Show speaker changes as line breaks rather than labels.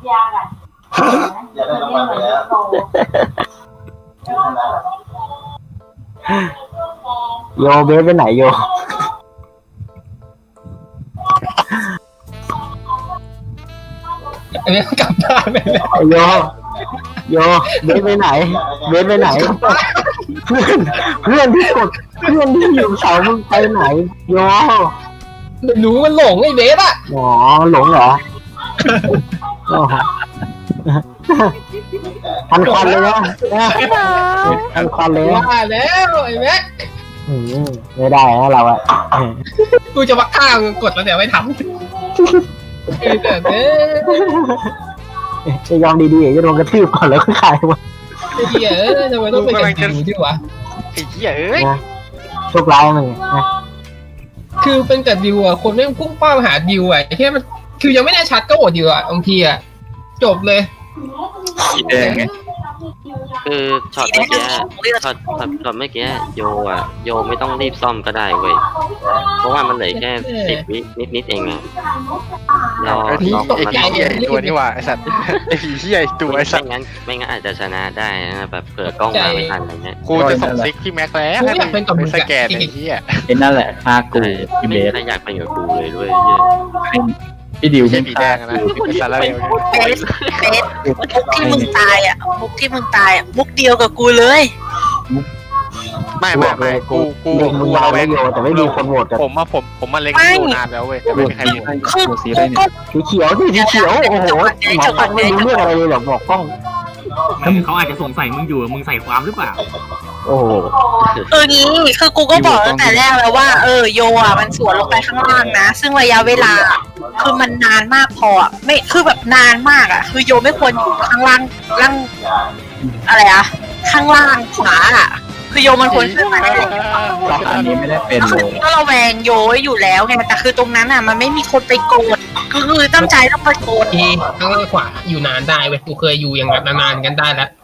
อย่าได้รางวัลไปแล้ว
โยเบสไปไหนโย
อันนี้กลับบ้านไปแล้ว
โยโยเบสไปไหนเบสไปไหนเพื่อนที่กดเพื่อนที่อยู่เสามึงไปไหนโย
ไม่รู้มันหลงไอ้เบสอะ
อ๋อหลงเหรอทันควันเลยนะทันควันเลยนะ
ว่าแล้วไอ้แม็ก
ไม่ได้นะเราอะ
กูจะมาฆ่ามึงกดแล้วเดี๋ยวไม่ทำไอ้แต่เนี้
จะยอมดีๆจะโดนกระทืบก่อนแล้วก็ขายมา
ไอ้เหี้ยทำไมต้องเป็นกันจริงด้วยวะ
ไอ้เหี้ยเอ้ย
โชคร้ายมึงนะ
คือเป็นกับดิวอะคนไม่พุ่งเป้าหาดิวอะแค่มันคือยังไม่ได้ชัดก็โหวตดิวอะบางทีอะจบเลย
สีแดงไง
คือช็อตเมื่อกี้ช็อตเมื่อกี้โยไม่ต้องรีบซ่อมก็ได้เว้ยเพราะว่ามันเหลือแค่10 วินิดเองอะรอ
ไอ้ผี
รอ
ไอ้
มัน
ผีเหี้ยไอ้ตัวนี่ว่าไอ้สัตว์ไอ้ผีเหี้ยไอ้ตัวไอ้สัตว์
ไม่งั้นอาจจะชนะได้นะแบบเผื่อกล้องมาไม่ทันอะไรเงี้ย
กูจะส่งซิกที่แม็กแล้ว
กูอยากเป็นกับมึง
ส
อะ
แกนไอ้เหี้ย
ไอ้นั่นแหละฆ่ากูพี่เบส
ถ้าอยากไปอยู่กับกูเลยด้วยเหี้ย
พี่ดิว
ไม่ใช่
ไม่
ผีแด
ฆ่าง
นะไอ้สารเลว
เบสมุกที่มึงตายอ่ะมุกที่มึงตายอ่ะมุกเดียวกับกูเลย
ไม่กู
เด็กมึงยาวไม่โยแต่ไม่มีคนโหวตกัน
ผมมาเล็งดูนานแล้วเว้ยแต่ไม่มีใครโหวต
คือ
กูสี
กู
ได้เนี่ย
ก็
สีเขียวสีเขียวโอ้โหหมอฟังไม่รู้เรื่องอะไรเลยหรอกบอกกล้อง
เขาอาจจะสงสัยมึงอยู่มึงใส่ความหรือเปล่า
โอ้โห
งี้คือกูก็บอกตั้งแต่แรกแล้วว่าโยอ่ะมันสวนลงไปข้างล่างนะซึ่งระยะเวลาคือมันนานมากพออ่ะไม่คือแบบนานมากอ่ะคือโยไม่ควรอยู่ข้างล่างอะไรอ่ะข้างล่างขวาอ่ะคือโยมันควรขึ้นมาได้เลย
รอบอันนี้ไม่ได้เป็นเลย
ก็ระแวงโยไว้อยู่แล้วไงแต่คือตรงนั้นอ่ะมันไม่มีคนไปโกดคือตั้งใจต้องไปโกด
ทีข้างล่างขวาอยู่นานได้เว้ยกูเคยอยู่อย่างแบบนานๆกันได้แล้ว